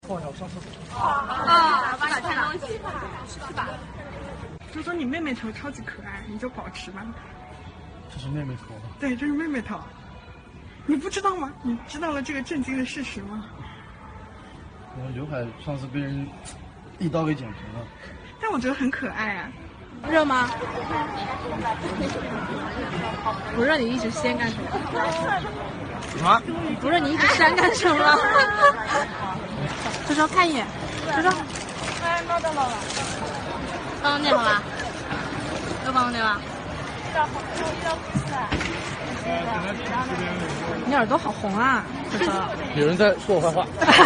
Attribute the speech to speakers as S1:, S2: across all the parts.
S1: 一下，我上厕所。
S2: 帮你看东西，是吧？
S3: 就说你妹妹头超级可爱，你就保持吧。
S1: 这是妹妹头。
S3: 对，这是妹妹头。你不知道吗？你知道了这个震惊的事实吗？
S1: 我的刘海上次被人一刀给剪平了。
S3: 但我觉得很可爱啊。
S2: 热吗？不热你一直掀干什么？
S1: 什么？
S2: 不热你一直扇干什么？周周看一眼，周周。哎，弄到了。刚刚那好吧？又刚刚那吧？你耳朵好红啊，周周。
S1: 有人在说我坏话。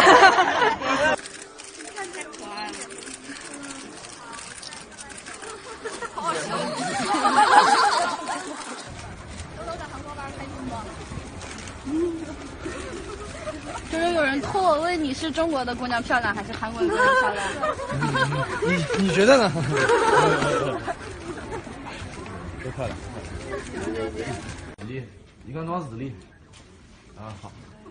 S2: 看太可爱了。就是有人托我问你是中国的姑娘漂亮还是韩国的姑娘漂亮？
S1: 你觉得呢？都漂亮。日历，一个人装日历。啊，好。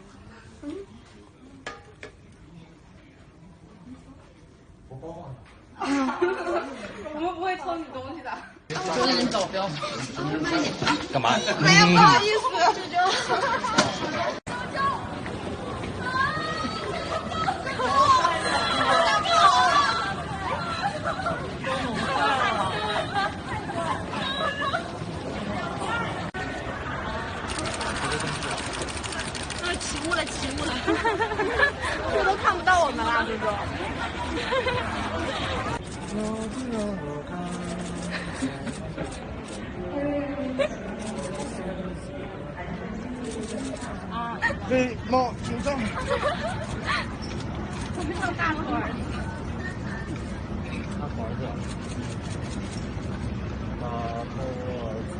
S1: 我包放上。
S2: 我们不会偷你东西的。
S1: 我给你找标。干嘛？
S2: 没有，不好意思。起雾了，起雾了，这都看不到我们了，这都。
S1: 被猫紧张。
S2: 我们上大河儿。
S1: 大河子。大河子。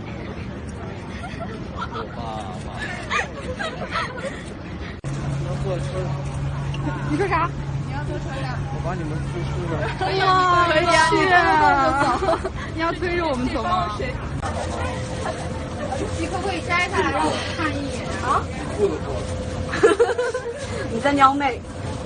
S1: 我爸爸。要坐车。
S2: 你说啥？你要坐车呀？
S1: 我把你们推出了。
S2: 可以啊，可以啊，你走。你要推着我们走吗？你可不可以摘下来让我看一眼啊？
S1: 不能过。
S2: 你在撩妹。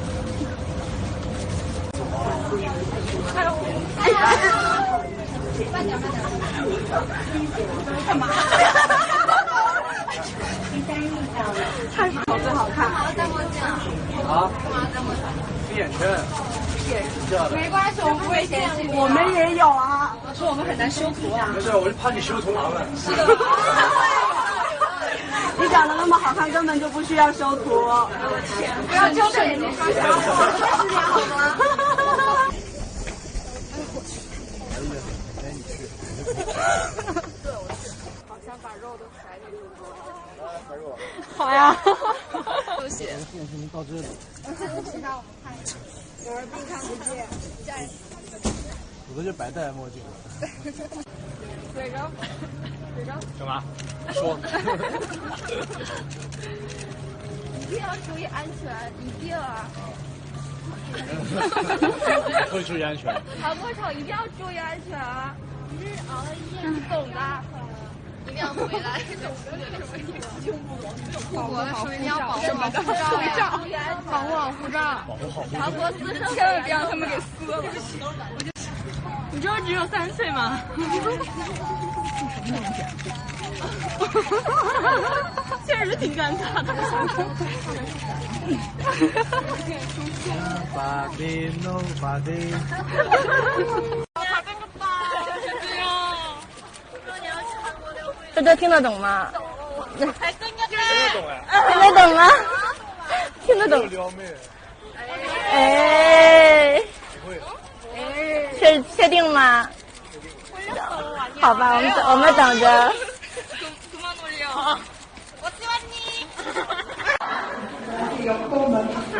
S2: 哎呀！慢点，慢点。干嘛？太好，最好看。戴墨镜。
S1: 啊？
S2: 戴墨镜。
S1: 闭眼圈。
S2: 没关系，我们不会嫌弃你。我们也有啊。说我们很难修图啊。
S1: 没事，我就怕你修图麻烦。
S2: 是的。
S4: 你长得那么好看，根本就不需要修图。
S2: 我天！不要纠正眼睛刷瞎我，30年好吗？
S1: 哎，你去。
S2: 对，我去。好想把肉都甩给主播。
S1: 来，白肉。
S2: 好呀。休息。
S1: 到这里。
S2: 其他我们看一下。有人并看不见。
S1: 我这就白戴墨镜了。
S2: 嘴着。
S1: 干嘛？说。
S2: 一定要注意安全，一定啊！
S1: 会注意安全。
S2: 跑过场一定要注意安全啊！你懂的。一定要回来。出国的时候一定要保护好护照，保护好护照，
S1: 保护好护照。
S2: 韩国私生千万别让他们给撕了。你知道只有3岁吗？确实挺尴尬的。
S1: Nobody, nobody。
S4: 这都听得懂吗？
S2: 听得懂
S4: 哎。听得懂吗？听得懂。
S1: 撩妹。
S4: 哎。
S1: 不会。
S4: 确定吗？好吧，我们等着。
S2: 我喜欢你。